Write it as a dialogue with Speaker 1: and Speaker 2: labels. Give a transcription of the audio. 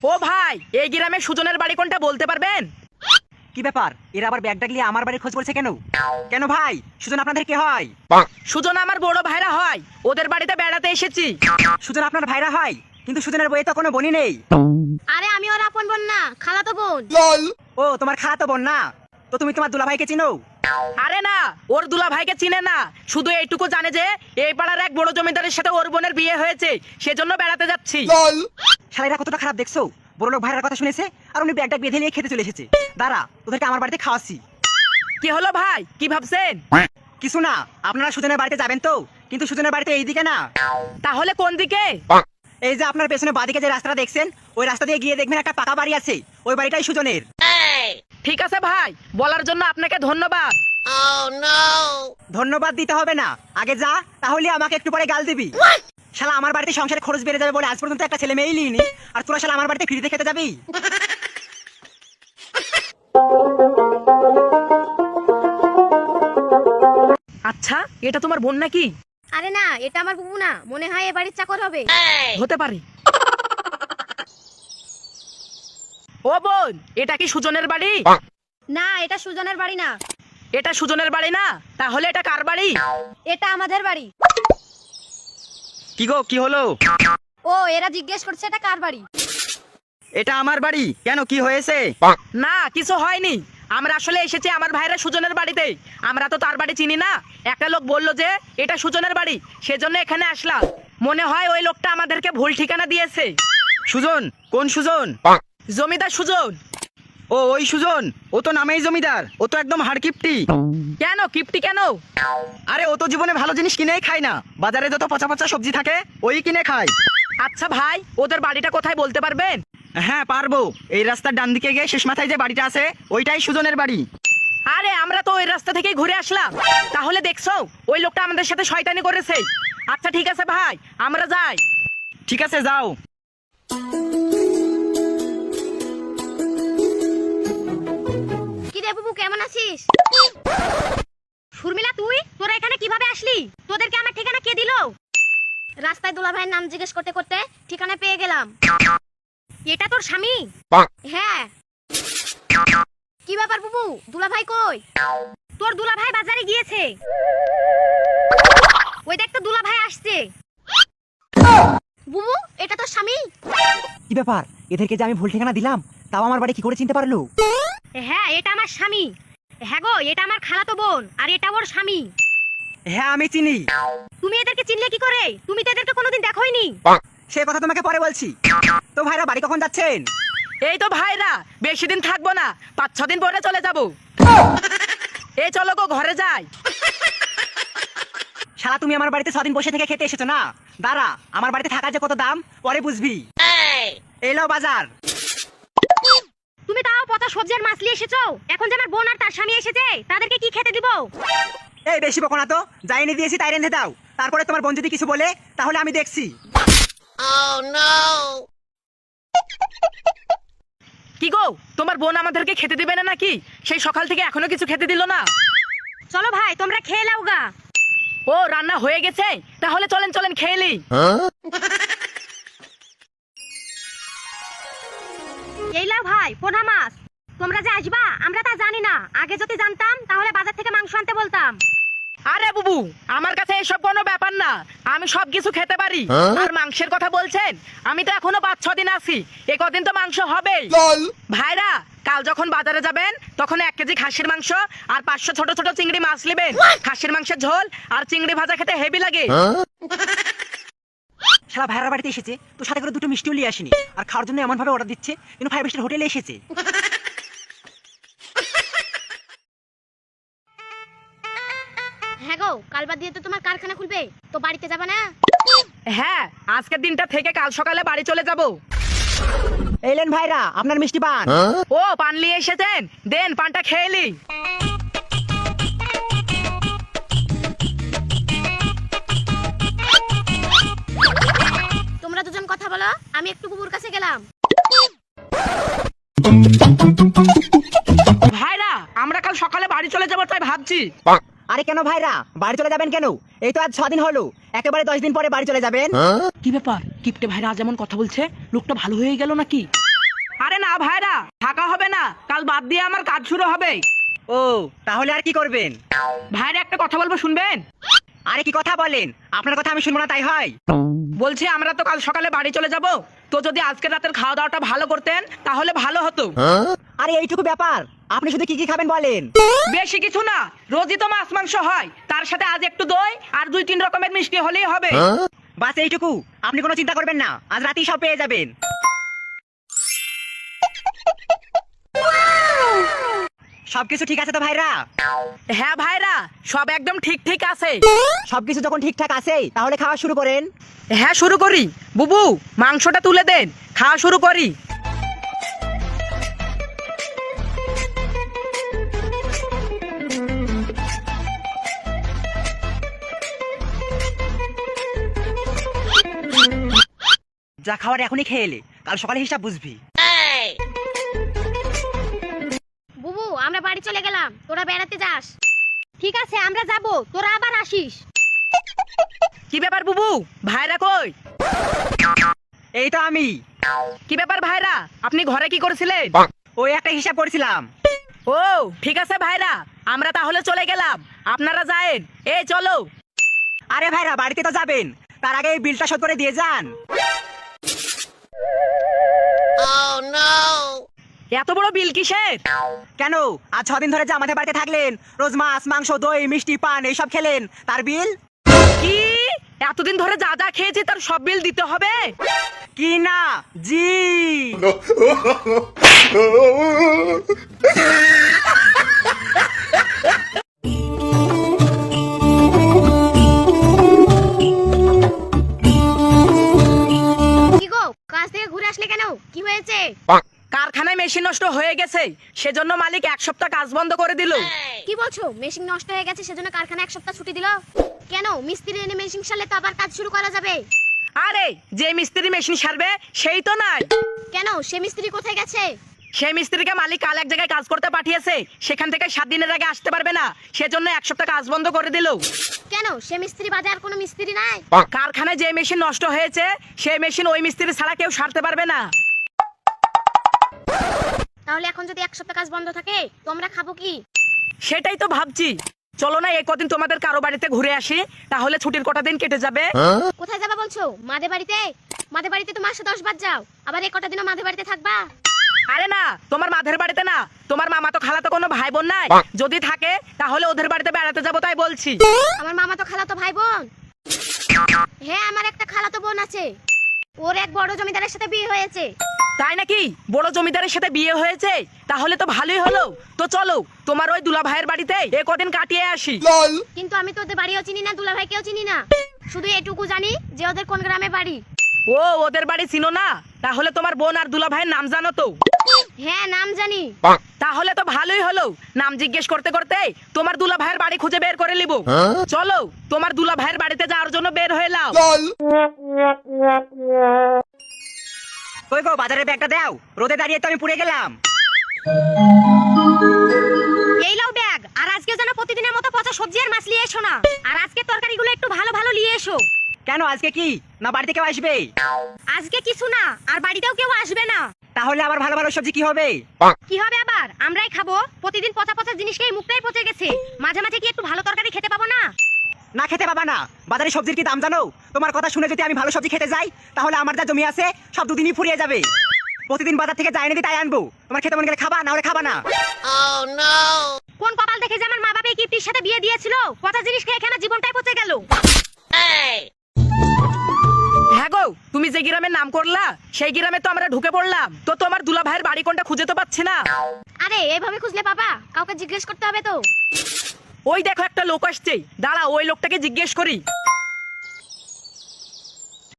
Speaker 1: ও ভাই, এই গ্রামে সুজনের বাড়ি কোনটা বলতে পারবেন?
Speaker 2: কি ব্যাপার, এরা আবার ব্যাগ ডাকলিয়ে আমার বাড়ির খোঁজ বলছে কেন? কেন ভাই, সুজন আপনাদের কে হয়?
Speaker 1: সুজন আমার বড় ভাইরা হয়, ওদের বাড়িতে বেড়াতে এসেছি।
Speaker 2: সুজন আপনার ভাইরা হয়, কিন্তু সুজনের বইয়ে তো কোনো বোনই নেই।
Speaker 3: আরে আমি ওর আপন বোন না, খালাতো বোন।
Speaker 2: ও তোমার খালাতো বোন না? তো তুমি তোমার দুলাভাইকে চিনো?
Speaker 1: আরে না, ওর দুলা ভাইকে চিনে না, শুধু এইটুকু জানে যে এই পাড়ার এক বড় জমিদারের সাথে ওর বোনের বিয়ে হয়েছে, সেজন্য বেড়াতে যাচ্ছি।
Speaker 2: শালাইরা কতটা খারাপ দেখছো, বড় লোক ভাইরার কথা শুনেছে আর উনি ব্যাগটা বেঁধে নিয়ে খেতে চলে এসেছে। দাঁড়া, তোদেরকে আমার বাড়িতে খাওয়াচ্ছি।
Speaker 1: কি হলো ভাই, কি ভাবছেন?
Speaker 2: কিছু না, আপনারা সুজনের বাড়িতে যাবেন তো, কিন্তু সুজনের বাড়িতে এইদিকে না।
Speaker 1: তাহলে কোন দিকে?
Speaker 2: এই যে আপনার পেছনে বাঁদিকে যে রাস্তাটা দেখছেন, ওই রাস্তা দিয়ে গিয়ে দেখবেন একটা পাকা বাড়ি আছে, ওই বাড়িটাই সুজনের।
Speaker 1: ঠিক আছে ভাই, বলার জন্য আপনাকে ধন্যবাদ।
Speaker 2: ধন্যবাদ দিতে হবে না, আগে যা, তাহলে আমাকে একটু পরে গাল দিবি। শালা আমার বাড়িতে সংসারে খরচ বেড়ে যাবে বলে আজ পর্যন্ত একটা ছেলে মেয়েই নিইনি, আর তোরা শালা আমার বাড়িতে ফ্রিতে খেতে যাবি?
Speaker 1: আচ্ছা, এটা তোমার বোন নাকি?
Speaker 3: আরে না, এটা আমার বুবু না, মনে হয় এ বাড়ির চাকর হবে।
Speaker 1: হতে পারে। ও বোন, এটা কি সুজনের বাড়ি?
Speaker 3: না, এটা সুজনের বাড়ি না।
Speaker 1: এটা সুজনের বাড়ি না, তাহলে এটা কার বাড়ি?
Speaker 3: এটা আমাদের বাড়ি।
Speaker 2: কি গো, কি হলো?
Speaker 3: ও, এরা জিজ্ঞেস করছে এটা কার বাড়ি।
Speaker 2: এটা আমার বাড়ি, কেন, কি হয়েছে?
Speaker 1: না, কিছু হয়নি, আমরা আসলে এসেছি আমার ভাইরা সুজনের বাড়িতে। আমরা তো তার বাড়ি চিনি না, একটা লোক বললো যে এটা সুজনের বাড়ি, সেজন্য এখানে আসলাম। মনে হয় ওই লোকটা আমাদেরকে ভুল ঠিকানা দিয়েছে।
Speaker 2: সুজন? কোন সুজন?
Speaker 1: জমিদার সুজন।
Speaker 2: ও ওই সুজন, ও তো নামেই জমিদার, ও তো একদম হাড়কিপটি।
Speaker 1: কেন কিপটি কেন?
Speaker 2: আরে ও তো জীবনে ভালো জিনিস কিনেই খায় না, বাজারে যত পচা পচা সবজি থাকে ওই কিনে খায়।
Speaker 1: আচ্ছা ভাই, ওদের বাড়িটা কোথায় বলতে পারবেন?
Speaker 2: হ্যাঁ পারবো, এই রাস্তার ডান দিকে গিয়ে শেষ মাথায় যে বাড়িটা আছে ওইটাই সুজনের বাড়ি।
Speaker 1: আরে আমরা তো ওই রাস্তা থেকেই ঘুরে আসলাম, তাহলে দেখছো ওই লোকটা আমাদের সাথে শয়তানি করেছে। আচ্ছা ঠিক আছে ভাই, আমরা যাই।
Speaker 2: ঠিক আছে, যাও।
Speaker 3: কি রে বুবু, কেমন আছিস? শর্মিলা, তুই তোরা এখানে কিভাবে আসলি? তোদেরকে আমার ঠিকানা কে দিল? রাস্তায় দুলা ভাইয়ের নাম জিজ্ঞেস করতে করতে ঠিকানা পেয়ে গেলাম। এটা তোর স্বামী? হ্যাঁ। কি ব্যাপার বুবু, দুলা ভাই কই? তোর দুলা ভাই বাজারে গিয়েছে। ওই দেখ তো দুলা ভাই আসছে। বুবু, এটা তোর স্বামী?
Speaker 2: কি ব্যাপার, এদেরকে যে আমি ভুল ঠিকানা দিলাম, তাও আমার বাড়ি কি করে চিনতে পারলো?
Speaker 3: হ্যাঁ, এটা আমার স্বামী। হ্যাঁ গো, এটা আমার খালাতো বোন, আর এটা ওর স্বামী।
Speaker 2: হ্যাঁ আমি চিনি।
Speaker 3: তুমি এদেরকে চিনলে কি করে? তুমি তো এদেরকে কোনোদিন দেখোইনি।
Speaker 2: সে কথা তোমাকে পরে বলছি। তো ভাইরা বাড়ি কখন যাচ্ছেন?
Speaker 1: এই তো ভাইরা, বেশি দিন থাকবো না, 5-6 দিন পরে চলে যাব। এই চলো গো, ঘরে যাই।
Speaker 2: শালা তুমি আমার বাড়িতে 6 দিন বসে থেকে খেতে এসেছো না? দাঁড়া, আমার বাড়িতে থাকার যে কত দাম পরে বুঝবি। এলো বাজার।
Speaker 3: তুমি তাও পচা সবজি আর মাছ নিয়ে এসেছো। এখন যে আমার বোন আর তার স্বামী এসেছে, তাদেরকে কি খেতে দিব?
Speaker 2: এই বেশি বকো না তো, যাই এনে দিয়েছি তাই রেঁধে দাও। তারপরে তোমার বোন যদি কিছু বলে তাহলে আমি দেখছি।
Speaker 1: কি গো, তোমার বোন আমাদেরকে খেতে দিবে না নাকি? সেই সকাল থেকে এখনো কিছু খেতে দিল না।
Speaker 3: চলো ভাই, তোমরা খেয়ে নাও গা।
Speaker 1: ও রান্না হয়ে গেছে, তাহলে চলেন চলেন খেয়ে নি।
Speaker 3: এই লাও ভাই, পোনা মাছ। তোমরা যে আসবা আমরা তা জানি না, আগে যদি জানতাম তাহলে বাজার থেকে মাংস আনতে বলতাম।
Speaker 1: আরে বুবু, আমার কাছে এসব কোনো ব্যাপার না, আমি সব কিছু খেতে পারি। আর মাংসের কথা বলছেন, আমি তো এখনো 5-6 দিন আছি, এ কদিন তো মাংস হবেই। ভাইরা, কাল যখন বাজারে যাবেন তখন 1 কেজি খাসির মাংস আর 500 ছোট ছোট চিংড়ি মাছ নেবেন। খাসির মাংসের ঝোল আর চিংড়ি ভাজা খেতে হেভি লাগে।
Speaker 2: শালা ভাইরার বাড়িতে এসেছে তো সাথে করে দুটো মিষ্টিও নিয়ে আসেনি, আর খাওয়ার জন্য এমন ভাবে অর্ডার দিচ্ছে কিন্তু 5 স্টার হোটেলে এসেছে।
Speaker 3: হ্যাঁ গো, কাল বাদ দিয়ে তো তোমার কারখানা খুলবে, তো বাড়িতে যাবা না?
Speaker 1: হ্যাঁ, আজকের দিনটা থেকে কাল সকালে বাড়ি চলে যাব।
Speaker 2: এলেন ভাইরা, আপনার মিষ্টি পান।
Speaker 1: ও পান নিয়ে এসেছেন, দেন পানটা খেয়ে নি।
Speaker 3: তোমরা দুজন কথা বলো, আমি একটু বুবুর কাছে গেলাম।
Speaker 1: ভাইরা, আমরা কাল সকালে বাড়ি চলে যাবো তাই ভাবছি।
Speaker 2: আরে কেন ভাইরা, বাড়ি চলে যাবেন কেন? এই তো আজ 6 দিন হলো, একেবারে 10 দিন পরে বাড়ি চলে যাবেন।
Speaker 1: কি ব্যাপার, কিপটে ভাইরা যেমন কথা বলছে, লোকটা ভালো হয়ে গেল নাকি? না ভাইরা, থাকা হবে না, কাল বাদ দিয়ে আমার কাজ শুরু হবে।
Speaker 2: ও তাহলে আর কি করবেন?
Speaker 1: ভাইরা একটা কথা বলবো, শুনবেন?
Speaker 2: আরে কি কথা বলেন, আপনার কথা আমি শুনবো না তাই হয়?
Speaker 1: বলছি আমরা তো কাল সকালে বাড়ি চলে যাব, তো যদি আজকে রাতের খাওয়া দাওয়াটা ভালো করতেন তাহলে ভালো হতো।
Speaker 2: আরে এইটুকু ব্যাপার, আপনি শুধু কি কি খাবেন বলেন?
Speaker 1: বেশি কিছু না, রোজই তো মাছ মাংস হয়, তার সাথে আজ একটু দই আর 2-3 রকমের মিষ্টি হলেই হবে।
Speaker 2: বাস এইটুকু, আপনি কোনো চিন্তা করবেন না, আজ রাতেই সব পেয়ে যাবেন। সবকিছু ঠিক আছে তো ভাইরা?
Speaker 1: হ্যাঁ ভাইরা, সব একদম ঠিক ঠিক আছে।
Speaker 2: সবকিছু যখন ঠিকঠাক আছে তাহলে খাওয়া শুরু করেন।
Speaker 1: হ্যাঁ শুরু করি। বুবু, মাংসটা তুলে দেন, খাওয়া শুরু করি।
Speaker 2: যা খাওয়ার এখনই খেয়ে এলে, কাল সকালে হিসাব বুঝবি।
Speaker 3: বুবু, আমরা বাড়ি চলে গেলাম, তোরা বেড়াতে যাস। ঠিক আছে, আমরা যাব, তোরা আবার আসিস।
Speaker 1: কি ব্যাপার বুবু, ভাইরা কই?
Speaker 2: এই তো আমি।
Speaker 1: কি ব্যাপার ভাইরা, আপনি ঘরে কি করছিলেন?
Speaker 2: ওই একটা হিসাব করছিলাম।
Speaker 1: ও ঠিক আছে ভাইরা, আমরা তাহলে চলে গেলাম, আপনারা যায়েন। এই চলো।
Speaker 2: আরে ভাইরা, বাড়িতে তো যাবেন, তার আগে এই বিলটা শোধ করে দিয়ে যান।
Speaker 1: এত বড় বিল কিসের?
Speaker 2: কেন, আজ 6 দিন ধরে যে আমাদের বাড়িতে থাকলেন, রোজ মাছ মাংস দই মিষ্টি পান এইসব খেলেন, তার বিল।
Speaker 1: কি এতদিন ধরে যা যা খেয়েছি তার সব বিল দিতে হবে?
Speaker 2: কি না জি।
Speaker 3: কি গো, কাজ থেকে ঘুরে আসলে কেন? কি হয়েছে?
Speaker 1: কারখানায় মেশিন নষ্ট হয়ে গেছে, সেজন্য মালিক 1 সপ্তাহ কাজ বন্ধ করে দিল।
Speaker 3: কি বলছো? মেশিন নষ্ট হয়ে গেছে সেজন্য কারখানা 1 সপ্তাহ ছুটি দিল? কেন, মিস্ত্রি এনে মেশিন সারলে তো আবার কাজ শুরু করা যাবে।
Speaker 1: আরে যে মিস্ত্রি মেশিন সারবে সেই তো নাই।
Speaker 3: কেন, সে মিস্ত্রি কোথায় গেছে?
Speaker 1: সেই মিস্ত্রিকে মালিক কাল এক জায়গায় কাজ করতে পাঠিয়েছে, সেখান থেকে 7 দিনের আগে আসতে পারবে না, সেজন্য 1 সপ্তাহ কাজ বন্ধ করে দিল।
Speaker 3: কেন, সে মিস্ত্রি বাদে আর কোনো মিস্ত্রি নাই?
Speaker 1: কারখানায় যে মেশিন নষ্ট হয়েছে সেই মেশিন ওই মিস্ত্রি ছাড়া কেউ সারতে পারবে না।
Speaker 3: তাহলে এখন যদি 1 সপ্তাহ কাজ বন্ধ থাকে, তোমরা খাবো কি?
Speaker 1: সেটাই তো ভাবছি, চলো না এই কদিন তোমাদের কারো বাড়িতে ঘুরে আসি, তাহলে ছুটির কটা দিন কেটে যাবে।
Speaker 3: কোথায় যাবা বলছো? মাদের বাড়িতে? মাদের বাড়িতে তো মাসে 10 বার যাও, আবার এই কটা দিনও মাদের বাড়িতে থাকবা?
Speaker 1: আরে না, তোমার মাদের বাড়িতে না, তোমার মামা তো খালা তো কোনো ভাই বোন নাই, যদি থাকে তাহলে ওদের বাড়িতে বেড়াতে যাবো তাই বলছি।
Speaker 3: আমার মামা তো খালাতো ভাই বোন। হ্যাঁ, আমার একটা খালাতো বোন আছে, ওর এক বড় জমিদারের সাথে বিয়ে হয়েছে।
Speaker 1: তাই নাকি? বড় জমিদারের সাথে বিয়ে হয়েছে, তাহলে তো ভালোই হলো। তো চলো তোমার ওই দুলা ভাইয়ের বাড়িতে এ কদিন কাটিয়ে আসি।
Speaker 3: কিন্তু আমি তো ওদের বাড়িও চিনি না, দুলা ভাইকেও চিনি না, শুধু এটুকু জানি যে ওদের কোন গ্রামে বাড়ি।
Speaker 1: ও ওদের বাড়ি চিনো না? তাহলে তোমার বোন আর দুলা ভাইয়ের নাম জানো তো?
Speaker 3: হ্যাঁ, নাম জানি।
Speaker 1: তাহলে তো ভালোই হলো, নাম জিজ্ঞেস করতে করতে তোমার দুলা ভাইয়ের বাড়ি খুঁজে বের করে নিব। চলো তোমার দুলা ভাইয়ের বাড়িতে যাওয়ার জন্য বের হয়ে নাও।
Speaker 2: কই গো, বাজারের ব্যাগটা দাও, রোদে দাঁড়িয়ে তো আমি পুড়ে গেলাম।
Speaker 3: এই লাও ব্যাগ, আর আজকে যেন প্রতিদিনের মতো পচা সবজি আর মাছ নিয়ে এসো না, আর আজকে তরকারিগুলো একটু ভালো ভালো নিয়ে এসো।
Speaker 2: কেন, আজকে কি না বাড়িতে কেউ আসবে?
Speaker 3: আজকে কিছু না, আর বাড়িতেও কেউ আসবে না।
Speaker 2: তাহলে আবার ভালো ভালো সবজি কি হবে?
Speaker 3: কি হবে আবার? আমরাই খাবো। প্রতিদিন পচা পচা জিনিস খেয়ে মুখটাই পচে গেছে, মাঝে মাঝে কি একটু ভালো তরকারি খেতে পাবো না?
Speaker 2: না খেতে পাবা না? বাজারে সবজির কি দাম জানো? তোমার কথা শুনে যদি আমি ভালো সবজি খেতে যাই, তাহলে আমার যা জমি আছে সব দুদিনই ফুরিয়ে যাবে। প্রতিদিন বাজার থেকে যাই এনে তাই আনবো, তোমার খেতে মন গেলে খাবা, না হলে খাবা না।
Speaker 3: কোন কপাল দেখে যে আমার মা বাবা এই কিপ্টির সাথে বিয়ে দিয়েছিল, পচা জিনিস খেয়ে খেয়ে জীবনটাই পচে গেল।
Speaker 1: হ্যাঁ গো, তুমি যে গ্রামের নাম করলা সেই গ্রামে তো আমরা ঢুকে পড়লাম, তো তোমার দুলা ভাইয়ের বাড়ি কোনটা খুঁজে তো পাচ্ছি না।
Speaker 3: আরে এইভাবে খুঁজলে পাবা? কাউকে জিজ্ঞেস করতে হবে তো।
Speaker 1: ওই দেখো একটা লোক আসছে, দাঁড়া ওই লোকটাকে জিজ্ঞেস করি।